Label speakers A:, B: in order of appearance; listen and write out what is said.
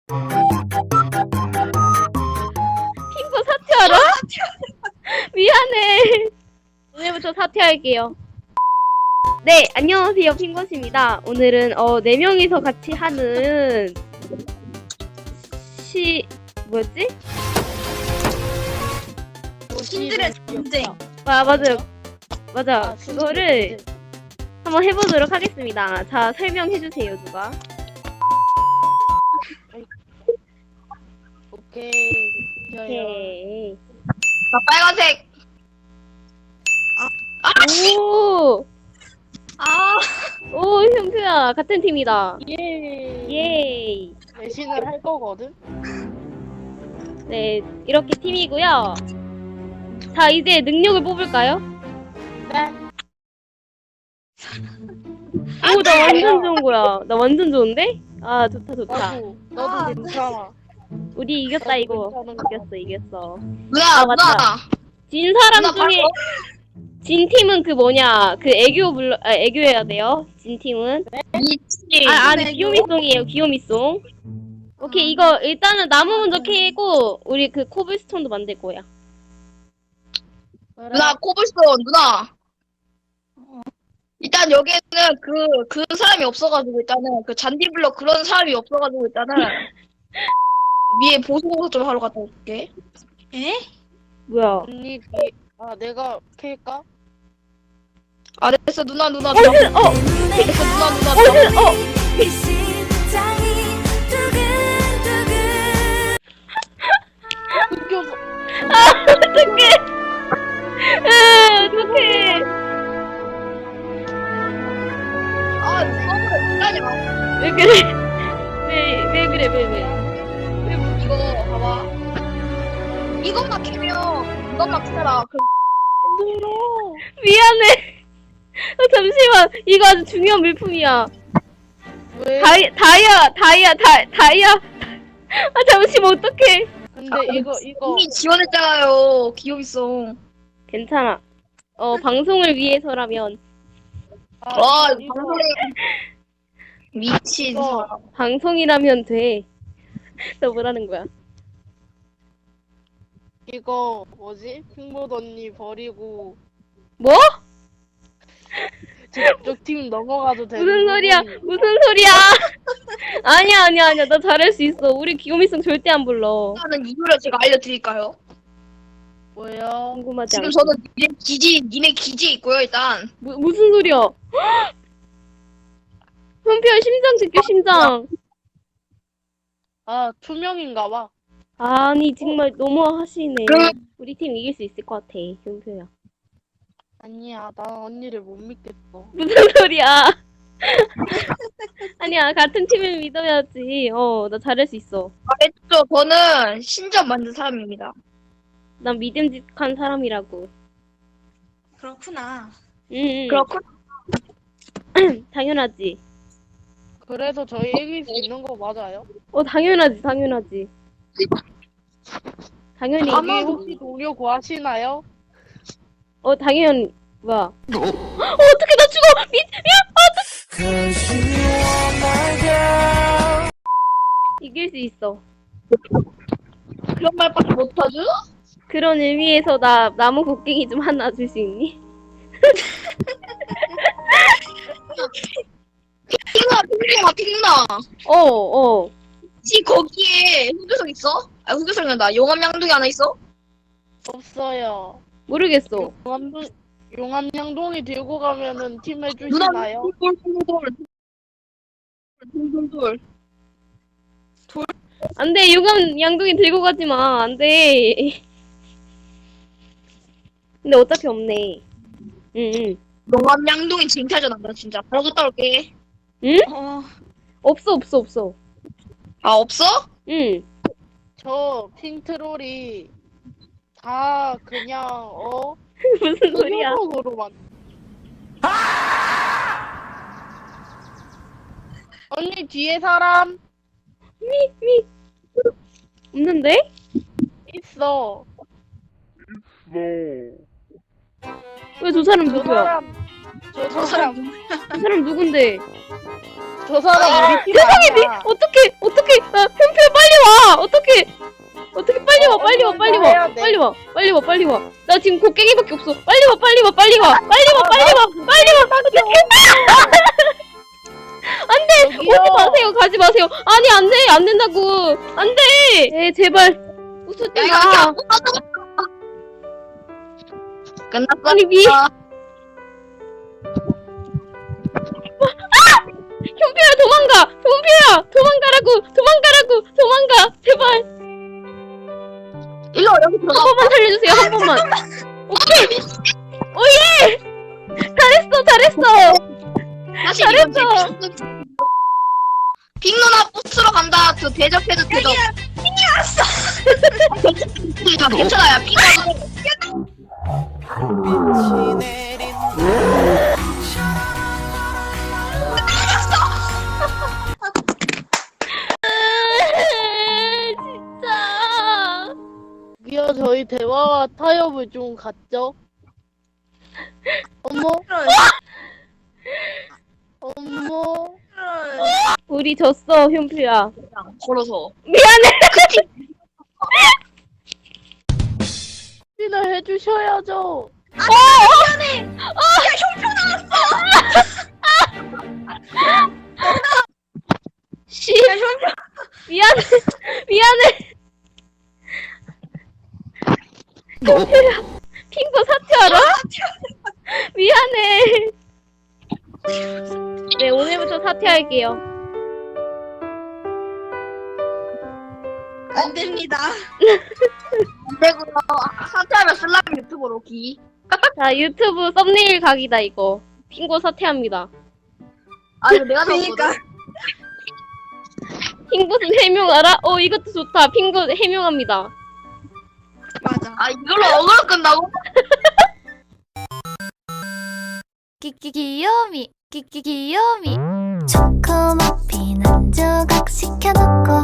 A: 핑거 사퇴하라? 미안해. 오늘부터 사퇴할게요. 네, 안녕하세요. 핑거씨입니다. 오늘은 4명이서 같이 하는 뭐였지?
B: 신들의 전쟁.
A: 맞아. 그거를 한번 해보도록 하겠습니다. 자, 설명해주세요, 누가.
C: 오케이.
A: 오케이.
B: 나 빨간색.
A: 오, 형수야, 같은 팀이다.
C: 예.
A: 예이.
C: 배신을 할 거거든.
A: 네, 이렇게 팀이고요. 자, 이제 능력을 뽑을까요?
C: 네.
A: 오, 나 완전 좋은 거야. 나 완전 좋은데? 아, 좋다.
C: 너도 괜찮아.
A: 우리 이겼다, 이거.
C: 괜찮은 거.
A: 이겼어.
B: 누나,
A: 맞다. 진 사람
B: 누나
A: 중에, 진 팀은 그 뭐냐, 그 애교해야 돼요. 진 팀은.
B: 미치.
A: 아니, 귀요미송이에요, 귀요미송. 오케이, 이거, 일단은 나무 먼저 캐고, 우리 그 코블스톤도 만들 거야.
B: 누나, 코블스톤, 누나. 일단 여기는 그 사람이 없어가지고, 일단은 그 잔디블럭 그런 사람이 없어가지고, 일단은 위에 보수공사 좀 하러 갔다 올게. 에?
A: 뭐야.
C: 언니, 내가 캘까?
B: 아, 됐어, 누나. 됐어, 누나.
C: 웃겨서.
A: 어떡해. 어떡해.
B: 아, 누나, 기다려.
A: 왜 그래? 왜 그래?
B: 이거, 봐봐. 이것만 캐면, 이것만 캐라.
A: 미안해. 잠시만. 이거 아주 중요한 물품이야.
C: 왜?
A: 다이아. 아, 잠시만, 어떡해.
C: 근데 이거.
B: 이미 지원했잖아요, 기업이송.
A: 괜찮아. 방송을 위해서라면.
B: 와,
C: 이거.
B: 방송에 미친
C: 이거.
B: 사람.
A: 방송이라면 돼. 너 뭐라는 거야?
C: 이거 뭐지? 핑보드 언니 버리고
A: 뭐?
C: 저쪽 팀 넘어가도 되는
A: 무슨 소리야?
C: 부분이-
A: 무슨 소리야? 아니야. 나 잘할 수 있어. 우리 귀요미송 절대 안 불러.
B: 하는 이유를 제가 알려드릴까요?
C: 뭐야?
A: 궁금하지
B: 지금
A: 않아.
B: 저는 니네 기지에 있고요, 일단.
A: 무슨 소리야? 현피야, 심장 지켜, 심장.
C: 아, 투명인가 봐.
A: 아니, 정말 너무 하시네.
B: 그럼-
A: 우리 팀 이길 수 있을 것 같아, 현표야.
C: 아니야, 난 언니를 못 믿겠어.
A: 무슨 소리야? 아니야, 같은 팀을 믿어야지. 나 잘할 수 있어.
B: 말했죠, 저는 신전 만든 사람입니다.
A: 난 믿음직한 사람이라고.
B: 그렇구나.
A: 응.
B: 그렇군.
A: 당연하지.
C: 그래서 저희 이길 수 있는 거 맞아요?
A: 당연하지. 당연히.
B: 아마-
C: 여기 혹시 동료 구하시나요?
A: 당연, 뭐야. 어떡해, 나 죽어! 이길 수 있어.
B: 그런 말밖에 못하죠?
A: 그런 의미에서 나 나무 곡괭이 좀 하나 줄 수 있니?
B: 핑누나.
A: 어.
B: 혹시 거기에 흑요석 있어? 아, 흑요석이 아니라 용암양동이 하나 있어?
C: 없어요.
A: 모르겠어.
C: 용암양동이 들고 가면은 팀
B: 누나,
C: 해주시나요?
B: 돌.
A: 안 돼, 유감 양동이 들고 가지 마. 안 돼. 근데 어차피 없네. 응.
B: 용암양동이 쟁탈전 한다, 진짜. 바로 갔다 올게.
A: 응? 없어.
B: 아, 없어?
A: 응.
C: 저 핑트롤이 다 그냥
A: 무슨 소리야?
C: 흑요석으로만. 언니 뒤에 사람
A: 없는데?
C: 있어.
A: 왜 저 사람
C: 저
A: 누구야?
C: 사람
B: 저 사람.
A: 저 사람 누군데?
C: 저 사람 우리 팀
A: 세상에,
C: 아니야.
A: 어떡해. 현표 빨리 빨리 와. 빨리 와, 빨리 와. 나 지금 곡괭이밖에 없어. 빨리 와, 빨리 와, 빨리 와. 빨리 와, 빨리 와, 빨리 와. 안 돼!
C: 저기요.
A: 오지 마세요, 가지 마세요. 아니, 안 돼, 안 된다고. 안 돼! 에, 제발. 웃지
B: 야, 이거
A: 마.
B: 끝났어.
A: 아니, 현표야, 도망가! 현표야! 도망가라고! 도망가! 제발!
B: 일로 와, 여기
A: 한
B: 들어가.
A: 번만 살려주세요, 한 번만. 오케이! 오예! 잘했어!
B: 다시
A: 잘했어.
B: 빅 누나 부스러 간다. 저 대접해줘, 대접. 다 괜찮아요. 빅 누나.
A: 진짜.
C: 저기요, 저희 대화와 타협을 좀 갖죠? 어머? 어머?
A: 우리 졌어, 현표야.
B: 걸어서.
A: 미안해.
C: 를 해주셔야죠.
A: 씨. 미안해. 현표야. 핑거 사퇴하라. 미안해. 네, 오늘부터 사퇴할게요.
B: 안 됩니다. 안 되고요. 사퇴하면 슬라임 유튜브로 기.
A: 자, 유튜브 썸네일 각이다, 이거. 핑거 사퇴합니다.
B: 아, 이거 내가 적었거든.
A: 핑거는 해명하라? 이것도 좋다. 핑거 해명합니다.
B: 맞아. 아, 이걸로 어그로 끝나고?
D: 귀요미 초코머핀 한 조각 시켜놓고